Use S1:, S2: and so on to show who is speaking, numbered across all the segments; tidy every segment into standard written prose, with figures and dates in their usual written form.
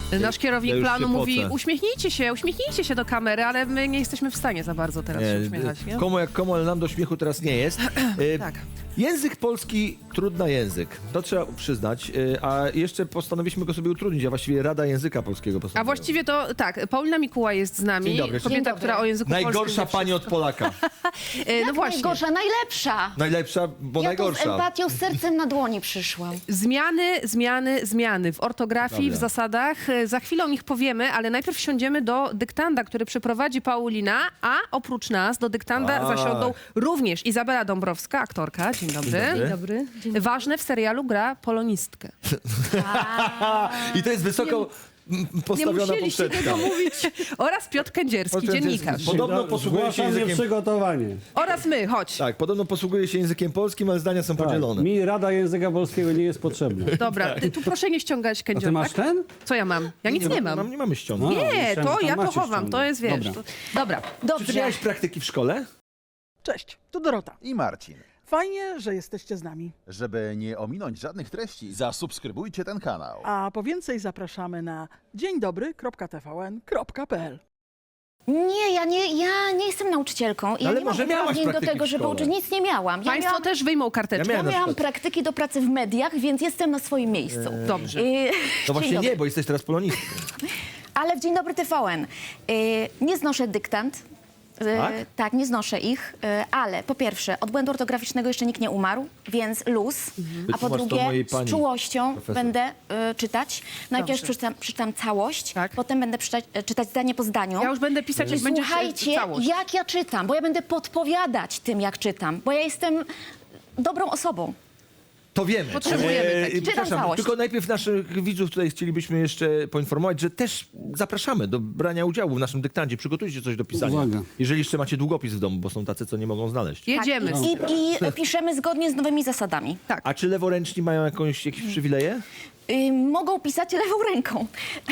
S1: Nasz kierownik
S2: Ja już
S1: planu
S2: się
S1: mówi,
S2: pocę.
S1: uśmiechnijcie się do kamery, ale my nie jesteśmy w stanie za bardzo teraz się uśmiechać, nie?
S2: Komu jak komu, ale nam do śmiechu teraz nie jest.
S1: Tak.
S2: Język polski, trudny język. To trzeba przyznać. A jeszcze postanowiliśmy go sobie utrudnić, a właściwie Rada Języka Polskiego
S1: A
S2: postanowiła.
S1: właściwie to tak, Paulina Mikuła jest z nami,
S2: Dzień dobry.
S1: kobieta,
S3: Dzień dobry.
S1: która o języku polskim
S2: Najgorsza
S1: wie
S2: pani od Polaka.
S1: wszystko. No
S3: Jak
S1: właśnie.
S3: najgorsza? Najlepsza.
S2: Najlepsza, bo
S3: Ja tu z
S2: najgorsza.
S3: empatią, z sercem na dłoni przyszłam.
S1: Zmiany w ortografii,
S2: Dobra.
S1: w zasadach. Za chwilę o nich powiemy, ale najpierw siądziemy do dyktanda, który przeprowadzi Paulina, a oprócz nas do dyktanda
S2: Tak.
S1: zasiądą również Izabela Dąbrowska, aktorka. Dzień dobry.
S2: Dzień
S4: Dobry.
S1: Ważne w serialu gra polonistkę.
S2: I to jest wysoko
S1: Nie
S2: postawiona
S1: musieliście
S2: poprzeczka.
S1: tego mówić. Oraz Piotr Kędzierski, dziennikarz.
S2: Podobno posługuje się
S4: Zgłaszam
S2: językiem...
S4: nieprzygotowanie.
S1: Oraz my, chodź.
S2: Tak, podobno posługuje się językiem polskim, ale zdania są
S4: Tak.
S2: podzielone.
S4: Mi Rada Języka Polskiego nie jest potrzebna.
S1: Dobra, tu proszę nie ściągać
S4: A ty
S1: kędziorka.
S4: masz ten?
S1: Co ja mam? Ja nic nie mam.
S2: Nie mamy ściągnąć.
S4: No.
S1: Nie,
S4: myślałem,
S1: to
S4: że tam
S1: ja to
S4: macie
S1: chowam, to
S4: ściągnąć.
S1: jest, wiesz.
S4: Dobra.
S1: Dobra.
S2: Czy ty
S3: Dobrze.
S2: miałeś praktyki w szkole?
S5: Cześć, tu Dorota.
S6: I Marcin.
S5: Fajnie, że jesteście z nami.
S6: Żeby nie ominąć żadnych treści, zasubskrybujcie ten kanał.
S5: A po więcej zapraszamy na dzieńdobry.tvn.pl.
S3: Nie, ja nie jestem nauczycielką. Ja
S2: Ale
S3: nie mam
S2: może miałaś
S3: uprawnień do
S2: praktyki
S3: tego,
S2: w
S3: żeby
S2: szkole.
S3: uczyć. Nic nie miałam. Ja
S1: Państwo
S3: miałam,
S1: też wyjmą karteczkę.
S2: Ja miałem na
S3: miałam
S2: przykład.
S3: praktyki do pracy w mediach, więc jestem na swoim miejscu.
S1: Dobrze.
S2: To właśnie
S3: Dzień dobry.
S2: nie, bo jesteś teraz polonistką.
S3: Ale w Dzień Dobry TVN nie znoszę dyktant.
S2: Tak?
S3: Tak, nie znoszę ich, ale po pierwsze, od błędu ortograficznego jeszcze nikt nie umarł, więc luz, a po
S2: Wytłumacz to
S3: drugie,
S2: mojej pani
S3: z czułością
S2: profesor.
S3: będę czytać. Najpierw
S1: Dobrze.
S3: przeczytam całość,
S1: Tak.
S3: potem będę czytać zdanie po zdaniu.
S1: Ja już będę pisać, jak będzie
S3: Słuchajcie,
S1: całość.
S3: jak ja czytam, bo ja będę podpowiadać tym, jak czytam, bo ja jestem dobrą osobą.
S2: To wiemy.
S1: Potrzebujemy takich.
S3: Czytam
S2: Przepraszam,
S3: całość.
S2: tylko najpierw naszych widzów tutaj chcielibyśmy jeszcze poinformować, że też zapraszamy do brania udziału w naszym dyktandzie. Przygotujcie coś do pisania.
S4: Uwaga.
S2: Jeżeli jeszcze macie długopis w domu, bo są tacy, co nie mogą znaleźć.
S1: Jedziemy.
S3: Tak, i piszemy zgodnie z nowymi zasadami.
S2: A czy leworęczni mają jakieś przywileje?
S3: Mogą pisać lewą ręką.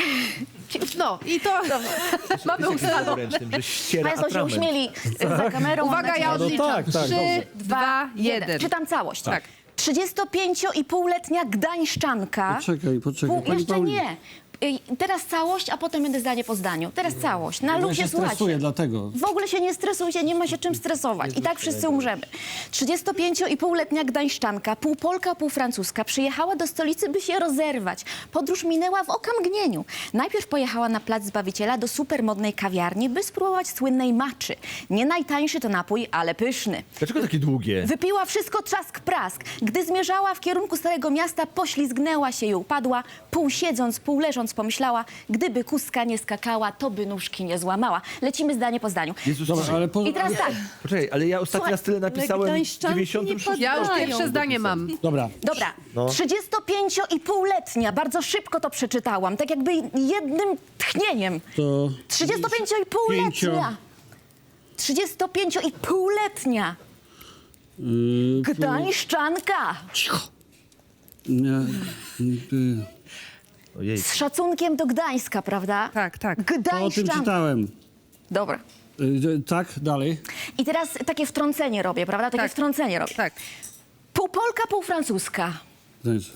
S1: No i to mamy
S2: Jest
S1: ustalone.
S2: leworęcznym, że ściera
S3: Państwo się
S2: atrament.
S3: uśmieli za kamerą. mam
S1: Uwaga,
S3: nadzieję.
S1: ja
S4: No
S1: odliczam.
S4: tak, tak,
S1: 3,
S4: dobrze.
S1: 2, 1.
S3: Czytam całość.
S1: Tak.
S3: 35,5-letnia gdańszczanka.
S4: Poczekaj. Pani
S3: Jeszcze
S4: Paulino.
S3: nie. Teraz całość, a potem będę zdanie po zdaniu. Teraz całość. Na
S4: Ja
S3: luzie,
S4: się
S3: słuchajcie.
S4: stresuję dlatego.
S3: W ogóle się nie stresujcie, nie ma się czym stresować. I tak wszyscy umrzemy. 35,5-letnia gdańszczanka, pół Polka, pół Francuska, przyjechała do stolicy, by się rozerwać. Podróż minęła w okamgnieniu. Najpierw pojechała na Plac Zbawiciela do supermodnej kawiarni, by spróbować słynnej maczy. Nie najtańszy to napój, ale pyszny.
S2: Dlaczego takie długie?
S3: Wypiła wszystko trzask prask. Gdy zmierzała w kierunku Starego Miasta, poślizgnęła się i upadła. Pół siedząc, pół leżąc pomyślała, gdyby kustka nie skakała, to by nóżki nie złamała. Lecimy zdanie po zdaniu.
S2: Jezus,
S4: Dobra, ale
S3: I teraz tak.
S2: Poczekaj, ale ja ostatni
S3: Słuchaj,
S2: raz tyle napisałem w
S4: Gdańszczanki
S2: 96.
S1: Ja już
S4: Dają.
S1: pierwsze zdanie mam.
S4: Dobra.
S3: Dobra,
S2: No.
S3: 35,5-letnia, bardzo szybko to przeczytałam, tak jakby jednym tchnieniem.
S4: To
S3: 35,5-letnia. 35,5-letnia. Gdańszczanka.
S4: Cicho. Nie,
S2: Ojej.
S3: Z szacunkiem do Gdańska, prawda?
S1: Tak, tak.
S4: to o tym
S3: Gdańszczanka.
S4: czytałem.
S3: Dobra.
S4: Tak, dalej.
S3: I teraz takie wtrącenie robię, prawda? Takie
S1: Tak.
S3: wtrącenie robię.
S1: Tak.
S3: Pół Polka, pół Francuska.
S4: Znaczy,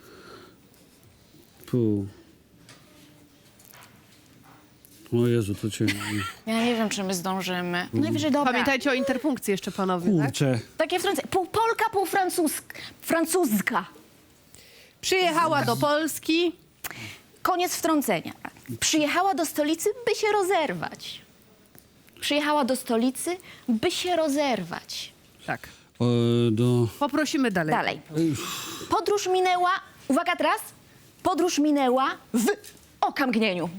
S4: pół. O Jezu, to cię...
S3: Ja nie wiem, czy my zdążymy. Najwyżej dobra.
S1: Pamiętajcie o interpunkcji jeszcze, panowie, tak?
S4: Kurczę.
S3: Takie wtrącenie. Pół Polka, pół Francuska.
S1: Przyjechała do Polski.
S3: Koniec wtrącenia. Przyjechała do stolicy, by się rozerwać. Przyjechała do stolicy, by się rozerwać.
S1: Tak. Poprosimy dalej.
S3: Dalej. Podróż minęła, uwaga teraz, podróż minęła w okamgnieniu.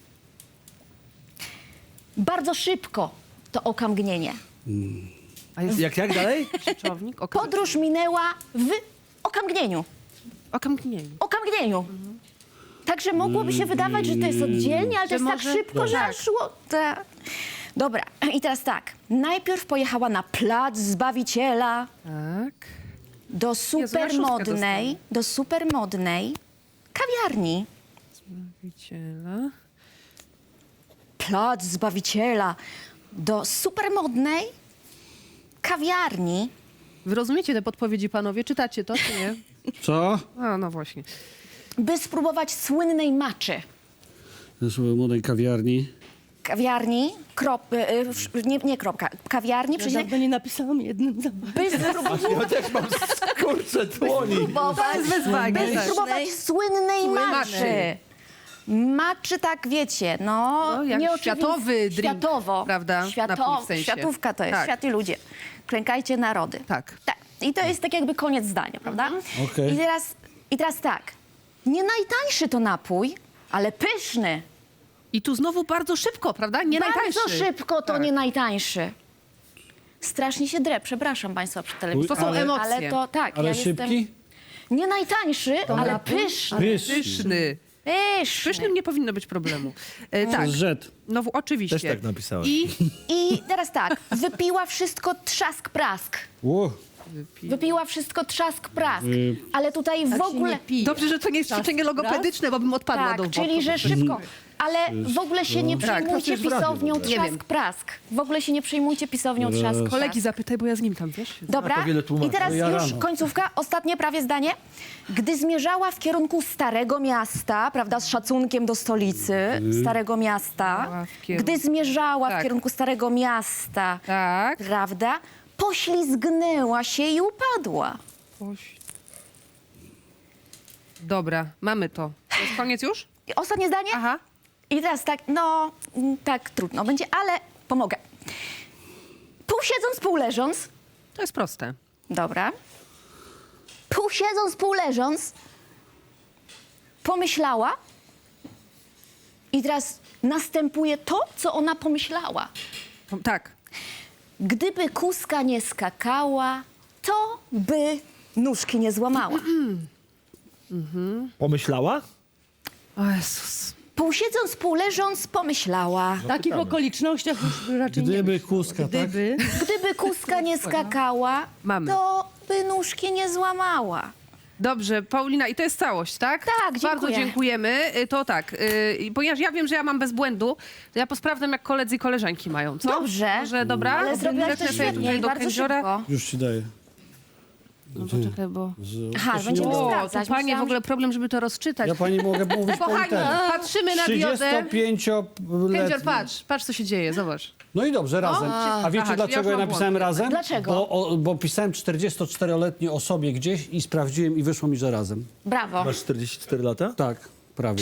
S3: Bardzo szybko to okamgnienie.
S1: A jest
S2: Jak dalej?
S1: rzeczownik?
S3: Podróż minęła w okamgnieniu.
S1: Okamgnieniu.
S3: Okamgnieniu. Także mogłoby się wydawać, że to jest oddzielnie, ale to
S1: Że
S3: jest tak
S1: może-
S3: szybko, że
S1: tak.
S3: aż szło. Dobra, i teraz tak. Najpierw pojechała na Plac Zbawiciela
S1: Tak.
S3: do supermodnej kawiarni.
S1: Zbawiciela.
S3: Plac Zbawiciela do supermodnej kawiarni.
S1: Wy rozumiecie te podpowiedzi, panowie? Czytacie to, czy nie?
S4: Co?
S1: A, no właśnie.
S3: By spróbować słynnej maczy.
S4: Też w młodej kawiarni.
S3: Kawiarni, nie kropka, kawiarni,
S7: Ja
S3: przecinek,
S7: dawno nie napisałam jednym zębem.
S3: by spróbować,
S2: Ja też mam skurcze dłoni.
S1: Bez wyzwagi.
S3: by
S1: tak.
S3: spróbować słynnej maczy. Maczy, tak wiecie,
S1: No, jak
S3: nieoczywiste-
S1: światowy drink,
S3: światowo,
S1: prawda? Napój w sensie.
S3: Światówka to jest,
S1: Tak.
S3: świat i ludzie. Klękajcie narody.
S1: Tak.
S3: Tak. I to jest tak jakby koniec zdania, prawda?
S4: Okej.
S3: I teraz tak, nie najtańszy to napój, ale pyszny.
S1: I tu znowu bardzo szybko, prawda? Nie najtańszy.
S3: Bardzo szybko to
S1: Tak.
S3: nie najtańszy. Strasznie się drę, przepraszam państwa przy telewizji.
S1: To są emocje.
S3: Ale to tak,
S4: Ale
S3: ja
S4: szybki?
S3: jestem... Nie najtańszy, ale pyszny.
S1: Pyszny.
S3: Pyszny.
S1: Pysznym nie powinno być problemu. Tak.
S4: Rzet.
S1: No oczywiście.
S2: Też tak napisałem.
S3: I teraz tak, wypiła wszystko trzask prask. Wypiła wszystko trzask prask. Ale tutaj w ogóle...
S1: Dobrze, że to nie jest ćwiczenie logopedyczne, bo bym odpadła do
S3: Tak,
S1: boku.
S3: czyli że szybko. Ale w ogóle się nie przejmujcie
S2: jest w radiu w
S3: pisownią
S2: ogóle.
S1: Nie wiem.
S3: trzask prask. W ogóle się nie przejmujcie pisownią trzask prask.
S1: Kolegi zapytaj, bo ja z nim tam, wiesz?
S3: Dobra,
S2: A to wiele tłumaczy.
S3: i teraz
S4: To ja
S3: już
S4: rano.
S3: końcówka, ostatnie prawie zdanie. Gdy zmierzała w kierunku Starego Miasta, prawda, z szacunkiem do stolicy Starego Miasta, gdy zmierzała
S1: Tak.
S3: w kierunku Starego Miasta,
S1: Tak.
S3: prawda, poślizgnęła się i upadła.
S1: Dobra, mamy to. To jest koniec już?
S3: I ostatnie zdanie?
S1: Aha.
S3: I teraz tak, no, tak trudno będzie, ale pomogę. Pół siedząc, pół leżąc,
S1: To jest proste.
S3: dobra, pół siedząc, pół leżąc, pomyślała i teraz następuje to, co ona pomyślała.
S1: Tak.
S3: Gdyby kuska nie skakała, to by nóżki nie złamała.
S2: Pomyślała?
S1: O Jezus.
S3: Pół siedząc, pół leżąc, pomyślała.
S7: W takich okolicznościach już raczej
S4: Gdyby kuska, tak?
S7: Gdyby.
S3: Gdyby kuska nie skakała,
S1: Mamy.
S3: to by nóżki nie złamała.
S1: Dobrze, Paulina, i to jest całość, tak?
S3: Tak,
S1: Bardzo
S3: dziękuję.
S1: dziękujemy. To tak, ponieważ ja wiem, że ja mam bez błędu, to ja posprawdzam, jak koledzy i koleżanki mają, co?
S3: Dobrze.
S1: Może, dobra?
S3: Ale zrobiłaś to
S1: Lecę sobie
S3: świetnie
S1: tutaj
S3: i
S1: do
S3: bardzo
S1: kędziora.
S3: szybko.
S4: Już ci daję.
S1: No poczekaj, bo...
S3: Aha, będziemy
S1: O, to
S3: sprawdzać.
S1: panie, w
S3: Myślałam,
S1: ogóle problem, żeby to rozczytać.
S4: Ja pani mogę mówić po
S1: Kochani,
S4: literze.
S1: patrzymy na diodę.
S4: 35-letni.
S1: Kędzior, patrz, co się dzieje, zobacz.
S4: No i dobrze, razem. A wiecie
S1: Aha, czyli ja
S4: dlaczego
S1: już
S4: ja
S1: mam
S4: napisałem
S1: błąd.
S4: razem?
S3: Dlaczego?
S4: Bo pisałem 44-letniej osobie gdzieś i sprawdziłem i wyszło mi, że razem.
S3: Brawo.
S2: Masz 44 lata?
S4: Tak, prawie.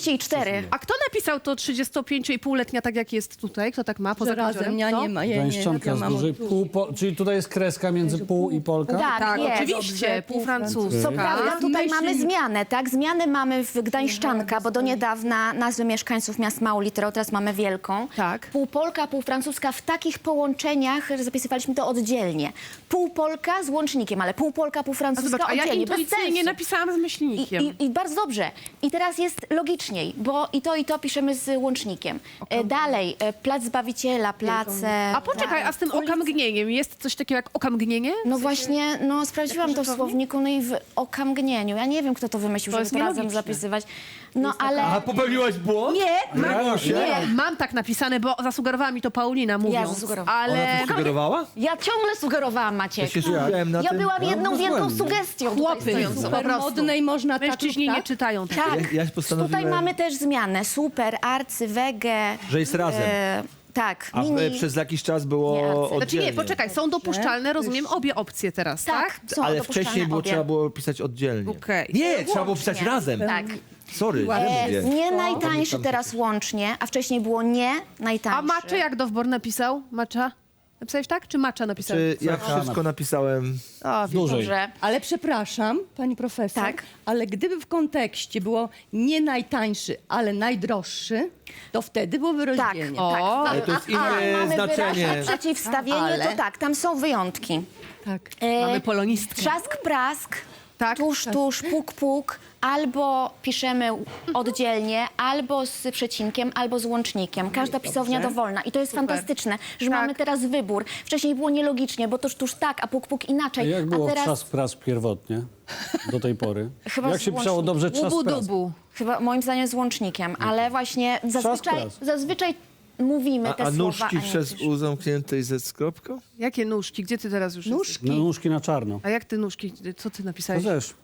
S3: 44.
S1: A kto napisał to 35,5-letnia, tak jak jest tutaj? Kto tak ma poza
S7: Że razem,
S1: Kędziorem?
S7: ja
S1: Kto?
S7: nie ma. Ja nie,
S4: Gdańszczanka
S7: ja
S4: z
S7: mam
S4: dużej
S7: od-
S4: czyli tutaj jest kreska między pół i Polka?
S3: Tak, jest.
S1: oczywiście,
S7: Dobrze,
S1: pół francuska.
S3: Co prawda tutaj
S7: Myśli-
S3: mamy zmianę, tak? Zmiany mamy w Gdańszczanka, bo do niedawna nazwy mieszkańców miast małą literą, teraz mamy wielką.
S1: Tak.
S3: Pół Polka, pół francuska. W takich połączeniach że zapisywaliśmy to oddzielnie. Pół Polka z łącznikiem, ale pół Polka, pół
S1: A
S3: francuska
S1: zobacz, a ja
S3: oddzielnie. Bez
S1: intuicyjnie
S3: sensu.
S1: napisałam z myślnikiem.
S3: I bardzo dobrze. I teraz jest logiczniej, bo i to piszemy z łącznikiem. Dalej, Plac Zbawiciela, place...
S1: A poczekaj, a z tym okamgnieniem jest coś takiego jak okamgnienie?
S3: No właśnie, no sprawdziłam to w słowniku, no i w okamgnieniu. Ja nie wiem, kto to wymyślił,
S1: To
S3: żeby
S1: jest
S3: to razem
S1: nielogiczne.
S3: zapisywać. No ale...
S2: A popełniłaś błąd?
S1: Nie,
S3: Nie.
S1: mam tak napisane, bo zasugerowała mi to Paulina mówiąc,
S3: zasugerowałam.
S1: ale
S2: Ona to sugerowała?
S3: Ja ciągle sugerowałam,
S2: Ja
S3: Maciek.
S2: się skupiałem na
S3: Ja
S2: tym.
S3: byłam jedną wielką
S4: bezbłędnie.
S3: sugestią.
S1: Chłopy
S3: tutaj stojącą.
S1: po prostu.
S7: Modnej można
S1: mężczyźni
S7: tak
S1: nie
S7: lub tak?
S1: czytają tego.
S3: Tak.
S2: Ja postanowiłem-
S3: Tutaj mamy też zmianę. Super, arcy, wege.
S2: Że jest razem.
S3: Tak,
S2: A
S3: mini.
S2: przez jakiś czas
S3: Nie,
S2: było
S3: Znaczy
S1: Znaczy
S2: oddzielnie.
S1: nie, poczekaj, są dopuszczalne, rozumiem, obie opcje teraz, tak?
S3: Tak, są
S2: Ale
S3: dopuszczalne
S2: wcześniej
S3: obie.
S2: trzeba było pisać oddzielnie.
S1: Okej.
S2: Nie, trzeba było pisać
S3: Łącznie.
S2: razem.
S3: Tak.
S2: Sorry, źle mówię.
S3: Nie najtańszy teraz łącznie, a wcześniej było nie najtańszy.
S1: A Macze jak Dowbor napisał? Macza? Napisałeś tak, czy Macza napisał?
S2: Czy ja wszystko napisałem?
S1: O, wiem.
S4: Dłużej.
S3: Dobrze.
S7: Ale przepraszam, pani profesor,
S3: Tak.
S7: ale gdyby w kontekście było nie najtańszy, ale najdroższy, to wtedy byłoby
S3: Tak,
S7: rozdzielnie.
S3: tak.
S2: Ale to jest inne
S3: mamy
S2: znaczenie.
S3: wyraźne przeciwstawienie,
S7: Ale-
S3: to tak, tam są wyjątki.
S7: Tak.
S1: Mamy polonistkę.
S3: Trzask, prask,
S1: Tak.
S3: tuż, puk, puk, albo piszemy oddzielnie, albo z przecinkiem, albo z łącznikiem. Każda pisownia dowolna i to jest fantastyczne, że mamy teraz wybór. Wcześniej było nielogicznie, bo tuż tak, a puk, puk
S4: A
S3: inaczej.
S4: jak było
S3: a teraz
S4: trzask prask pierwotnie do tej pory?
S3: Chyba
S4: Jak
S3: z
S4: się pisało
S3: łącznikiem.
S4: dobrze trzask
S1: Łubu
S4: prask?
S1: dubu.
S3: chyba moim zdaniem z łącznikiem, ale właśnie
S4: prask.
S3: zazwyczaj mówimy te
S2: A
S3: słowa,
S2: nóżki
S3: nie
S2: przez
S3: piszemy.
S2: U zamkniętej ze skropką?
S1: Jakie nóżki? Gdzie ty teraz już jesteś?
S4: No, nóżki na czarno.
S1: A jak ty nóżki? Co ty
S4: To
S1: napisałeś?
S4: też.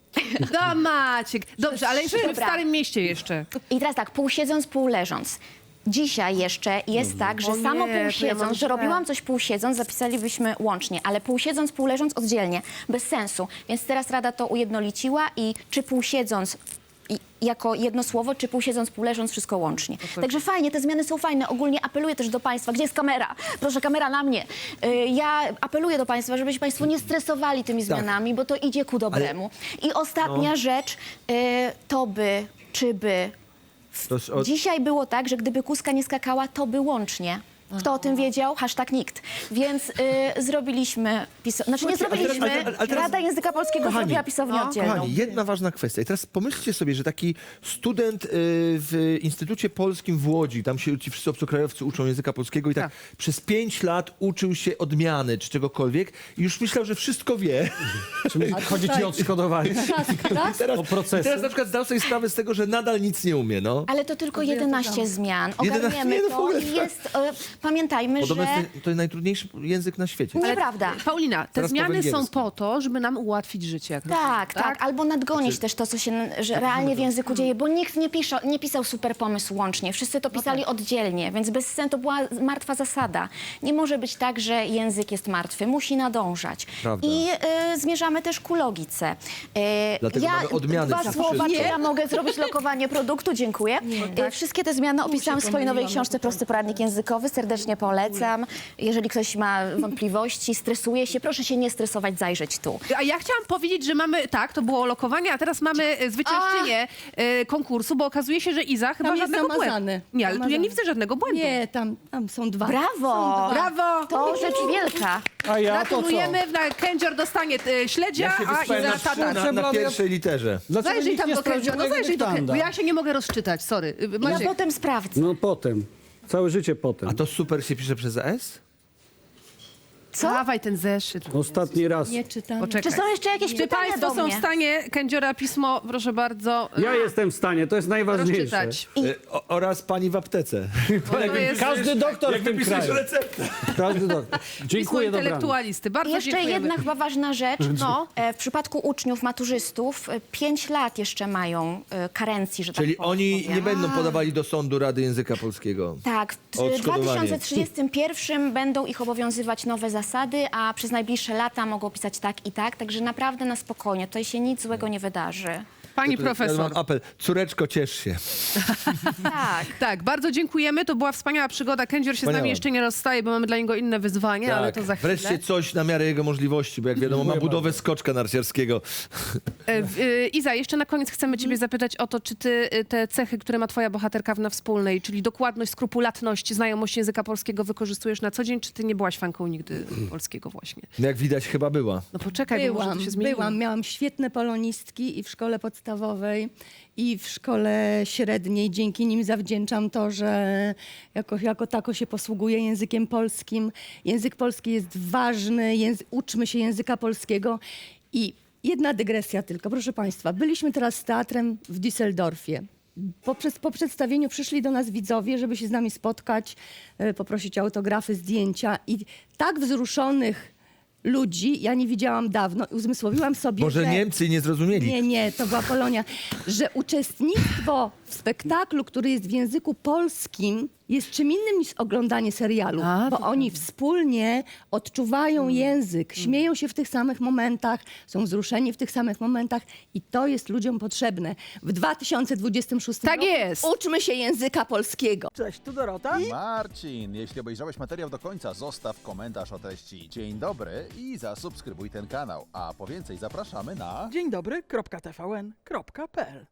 S1: Da Maciek. Dobrze, ale jesteśmy w
S3: Dobra.
S1: Starym Mieście jeszcze.
S3: I teraz tak, pół siedząc, pół leżąc. Dzisiaj jeszcze jest tak, że
S1: O nie,
S3: samo
S1: to ja
S3: pół
S1: mam
S3: siedząc, że
S1: źle.
S3: robiłam coś pół siedząc, zapisalibyśmy łącznie, ale pół siedząc, pół leżąc oddzielnie, bez sensu. Więc teraz Rada to ujednoliciła i czy pół siedząc jako jedno słowo, czy pół siedząc, pół leżąc, wszystko łącznie. Także fajnie, te zmiany są fajne. Ogólnie apeluję też do Państwa, gdzie jest kamera? Proszę, kamera na mnie. Ja apeluję do Państwa, żebyście Państwo nie stresowali tymi zmianami, bo to idzie ku dobremu. I ostatnia rzecz, to by, czy by.
S2: To jest od...
S3: Dzisiaj było tak, że gdyby kuska nie skakała, to by łącznie. Kto o tym wiedział? Hashtag nikt. Więc zrobiliśmy... Znaczy nie zrobiliśmy.
S2: ale teraz-
S3: Rada Języka Polskiego
S2: Kochani,
S3: zrobiła pisownię oddzielną.
S2: Kochani, jedna ważna kwestia. I teraz pomyślcie sobie, że taki student w Instytucie Polskim w Łodzi, tam się ci wszyscy obcokrajowcy uczą języka polskiego i tak przez 5 lat uczył się odmiany czy czegokolwiek i już myślał, że wszystko wie.
S4: Czyli chodzi ci o odszkodowanie.
S7: Raz,
S2: Teraz,
S4: O procesy.
S2: teraz na przykład zdał sobie sprawę z tego, że nadal nic nie umie, no.
S3: Ale to tylko 11 zmian.
S2: 11
S3: Ogarniemy
S2: nie, no w
S3: to
S2: ogóle
S3: i jest... Pamiętajmy,
S2: Podobno
S3: że...
S2: to jest najtrudniejszy język na świecie.
S3: Nieprawda.
S1: Paulina, te
S2: Teraz po
S1: zmiany są
S2: węgiersku.
S1: po to, żeby nam ułatwić życie. Jak
S3: Tak,
S1: rozumiem,
S3: tak. Albo nadgonić też to, co się że realnie w języku dzieje, bo nikt nie pisał super pomysł łącznie. Wszyscy to pisali oddzielnie, więc bez sensu to była martwa zasada. Nie może być tak, że język jest martwy. Musi nadążać.
S2: Prawda.
S3: I zmierzamy też ku logice.
S2: Dlatego mamy odmiany
S3: Dwa
S2: przez
S3: słowa,
S2: wszystko.
S3: czy ja mogę zrobić lokowanie produktu? Dziękuję. Wszystkie te zmiany opisałam w swojej nowej książce Prosty Poradnik Językowy. Serdecznie polecam. Jeżeli ktoś ma wątpliwości, stresuje się, proszę się nie stresować, zajrzeć tu.
S1: A ja chciałam powiedzieć, że mamy, tak, to było lokowanie, a teraz mamy zwyciężczynię konkursu, bo okazuje się, że Iza chyba
S7: jest
S1: żadnego
S7: zamazany.
S1: błędu. Nie, ale tu ja nie
S7: Zamazany.
S1: widzę żadnego błędu.
S7: Nie, tam są dwa.
S3: Brawo!
S1: Brawo!
S3: To rzecz wielka.
S4: A ja to co?
S1: Gratulujemy, Kędzior dostanie śledzia,
S2: Ja się
S1: a
S2: wyspałem
S1: Iza
S2: na,
S1: tatar.
S2: na pierwszej literze.
S4: Dlaczego
S1: Zajrzyj
S4: nikt
S1: tam
S4: nie
S1: do
S4: sprawdził
S1: Kędziora, no
S4: mojego
S1: zajrzyj do
S4: dyktanda?
S1: Kędziora, bo ja się nie mogę rozczytać, sorry.
S3: Ja
S1: Maciek,
S3: potem sprawdzę.
S4: No potem. Całe życie potem.
S2: A to super się pisze przez S?
S3: Co?
S1: dawaj ten zeszyt.
S4: Ostatni raz.
S7: Nie czytam.
S1: Poczekaj.
S3: Czy są jeszcze jakieś
S1: Czy
S3: pytania
S1: państwo
S3: do
S1: są w
S3: mnie?
S1: stanie Kędziora pismo, proszę bardzo,
S4: Ja jestem w stanie, to jest najważniejsze.
S1: rozczytać?
S2: Oraz pani w aptece.
S1: Bo to jest
S4: Każdy doktor w tym kraju.
S2: receptę.
S4: Każdy doktor.
S1: pismo
S4: Dziękuję, dobranoc.
S1: intelektualisty. Bardzo
S3: Jeszcze
S1: dziękujemy.
S3: jedna chyba ważna rzecz.
S1: No.
S3: W przypadku uczniów, maturzystów 5 lat jeszcze mają karencji, że
S2: Czyli
S3: tak
S2: oni
S3: powiem.
S2: nie będą podawali do sądu Rady Języka Polskiego.
S3: Tak, w
S2: Odszkodowanie.
S3: 2031 będą ich obowiązywać nowe zasady, a przez najbliższe lata mogą pisać tak i tak, także naprawdę na spokojnie, tutaj się nic złego nie wydarzy.
S1: Pani
S2: Ja
S1: profesor.
S2: mam apel. Córeczko, ciesz się.
S3: Tak.
S1: Tak, bardzo dziękujemy. To była wspaniała przygoda. Kędzior się z
S2: Wspaniała.
S1: nami jeszcze nie rozstaje, bo mamy dla niego inne wyzwanie, ale to za chwilę.
S2: Wreszcie coś na miarę jego możliwości, bo jak wiadomo ma budowę skoczka narciarskiego.
S1: Iza, jeszcze na koniec chcemy ciebie zapytać o to, czy ty te cechy, które ma twoja bohaterka na wspólnej, czyli dokładność, skrupulatność, znajomość języka polskiego wykorzystujesz na co dzień, czy ty nie byłaś fanką nigdy polskiego właśnie?
S2: Jak widać chyba była.
S1: No poczekaj, bo może to się zmieniło.
S7: Miałam świetne polonistki i w szkole podstawowej, i w szkole średniej. Dzięki nim zawdzięczam to, że jako tako się posługuję językiem polskim. Język polski jest ważny, uczmy się języka polskiego. I jedna dygresja tylko, proszę Państwa. Byliśmy teraz z teatrem w Düsseldorfie. Po przedstawieniu przyszli do nas widzowie, żeby się z nami spotkać, poprosić o autografy, zdjęcia. I tak wzruszonych ludzi ja nie widziałam dawno. Uzmysłowiłam sobie,
S2: Może
S7: że...
S2: Niemcy nie zrozumieli.
S7: Nie, to była Polonia. Że uczestnictwo w spektaklu, który jest w języku polskim, jest czym innym niż oglądanie serialu. Bo oni wspólnie odczuwają język, śmieją się w tych samych momentach, są wzruszeni w tych samych momentach i to jest ludziom potrzebne. W 2026
S1: Tak
S7: roku
S1: jest.
S7: uczmy się języka polskiego.
S5: Cześć, tu Dorota.
S6: Marcin, jeśli obejrzałeś materiał do końca, zostaw komentarz o treści. Dzień dobry i zasubskrybuj ten kanał. A po więcej zapraszamy na...
S5: Dzień dobry, .tvn.pl